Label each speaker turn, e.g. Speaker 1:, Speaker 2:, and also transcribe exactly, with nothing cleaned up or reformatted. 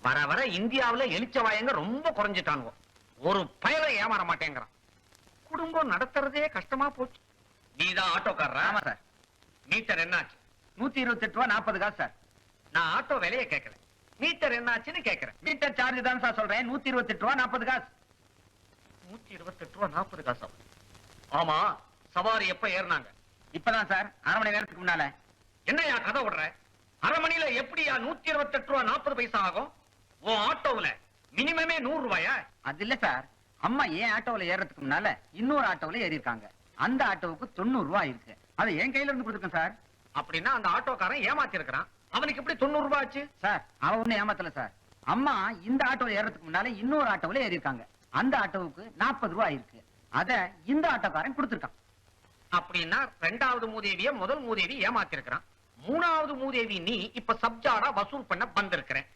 Speaker 1: வர வர இந்தியாவுல எலிச்ச வாயங்க ரொம்ப குறைஞ்சிட்டானுவோ. ஒரு பயலை ஏமாற மாட்டேங்கிறான். குடும்பம் நடத்துறதே கஷ்டமா போச்சு. நீதான் ஆட்டோக்காரரா?
Speaker 2: ஆமா சார்.
Speaker 1: மீட்டர் என்னாச்சு?
Speaker 2: நூத்தி இருபத்தி எட்டு ரூபா நாற்பது காசு சார்.
Speaker 1: நான் ஆட்டோ விலையை கேட்கல, மீட்டர் என்னாச்சுன்னு கேட்கிறேன்.
Speaker 2: மீட்டர் சார்ஜ் தான் சார் சொல்றேன். நூத்தி இருபத்தி எட்டு ரூபா நாற்பது காசு.
Speaker 1: நூத்தி இருபத்தி எட்டு ரூபா நாற்பது காசா? ஆமா, சவாரி எப்ப ஏறினாங்க?
Speaker 2: இப்பதான் சார், அரை மணி நேரத்துக்கு முன்னால.
Speaker 1: என்னையா கதை விடுற? அரை மணியில எப்படியா நூத்தி இருபத்தி எட்டு ரூபா நாற்பது பைசா ஆகும்? உன் ஆட்டோவுல மினிமமே நூறு ரூபாயா?
Speaker 2: அது இல்ல சார், அம்மா ஏன் ஆட்டோவில் ஏறதுக்கு முன்னால இன்னொரு ஆட்டோவில் ஏறி இருக்காங்க. அந்த ஆட்டோவுக்கு தொண்ணூறு ரூபாய் இருக்கு. அதை என் கையில இருந்து கொடுத்துருக்கேன் சார்.
Speaker 1: அப்படின்னா அந்த ஆட்டோக்காரன் ஏமாத்தி இருக்கிறான். அவனுக்கு எப்படி தொண்ணூறு ரூபாய் ஆச்சு?
Speaker 2: சார், அவன் ஒண்ணு ஏமாத்தல சார். அம்மா இந்த ஆட்டோவில் ஏறதுக்கு முன்னால இன்னொரு ஆட்டோவில் ஏறி இருக்காங்க. அந்த ஆட்டோவுக்கு நாற்பது ரூபாய் இருக்கு. அத இந்த ஆட்டோக்காரன் கொடுத்துருக்கான்.
Speaker 1: அப்படின்னா ரெண்டாவது மூதேவிய முதல் மூதேவி ஏமாத்தி இருக்கிறான். மூணாவது மூதேவி நீ இப்ப சப்ஜாடா வசூல் பண்ண வந்திருக்கிற.